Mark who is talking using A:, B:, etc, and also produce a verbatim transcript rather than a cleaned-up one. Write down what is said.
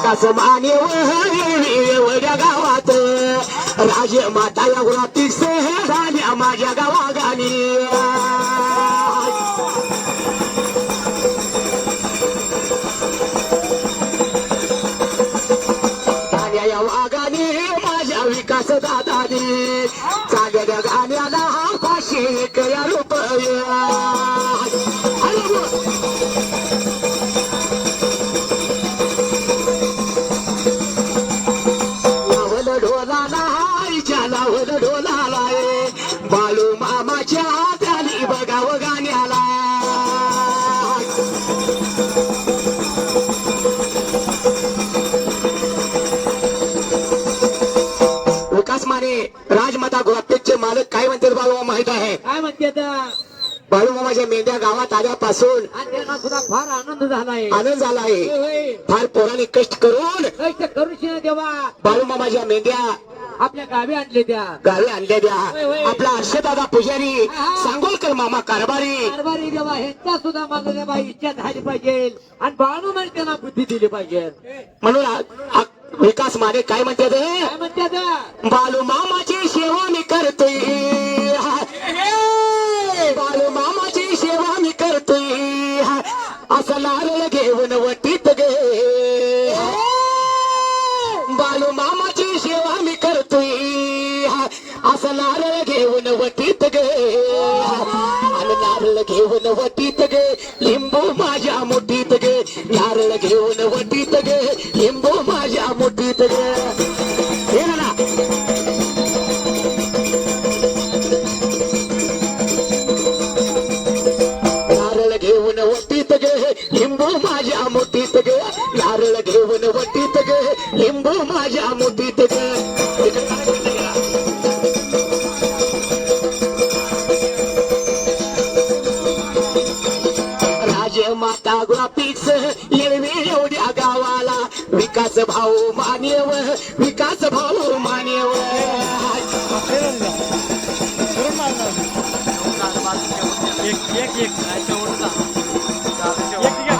A: विकास मानेव एवढ्या गावात राजे माता या गुलाबी झाल्या माझ्या गावागाली गाण्या या वागाने माझ्या विकास दादानी चालल्या गाण्याला पाचशे एक रुपये बाळू मामाच्या त्याली बघाव गाण्याला विकास माने राजमाता गुलाबटेकचे मालक काय म्हणतात बाळू मामा माहित आहे
B: काय म्हणतात
A: बाळू मामाच्या मेंढ्या गावात आल्यापासून
B: त्यांना सुद्धा फार आनंद झालाय
A: आनंद झाला आहे फार पोरांनी कष्ट करून
B: कष्ट करू देवा
A: बाळू मामाच्या मेंढ्या
B: आपल्या गावी आणले त्या
A: गावी आणल्या द्या आपला हर्षदादा पुजारी सांगोलकर मामा कारभारी
B: कारभारी देवा ह्यांचा सुद्धा माझा देवा इच्छा झाली पाहिजे आणि बाळू म्हणजे त्यांना बुद्धी दिली पाहिजे
A: म्हणून विकास माने काय म्हणतात
B: काय म्हणतात
A: बाळू मामाची सेवा मी करतोय बाळू मामाची सेवा मी करतोय असं नारळ घेऊन वटीत गे बाळू मामाची सेवा मी करतोय असं नारळ घेऊन वटीत गे आणि नारळ घेऊन वटीत गे लिंबू माझ्या मुठीत गे नारळ घेऊन वटीत गे लिंबू माझ्या मुठीत गे हे ना नारळ घेऊन वटीत गे लिंबू माझ्या मुठीत गे नारळ घेऊन वटीत गे लिंबू माझ्या मुठीत गे राजे माता गुलाबीच येळवी एवढ्या गावाला विकास भाऊ मानेव विकास भाऊ मानेव
C: एक एक एक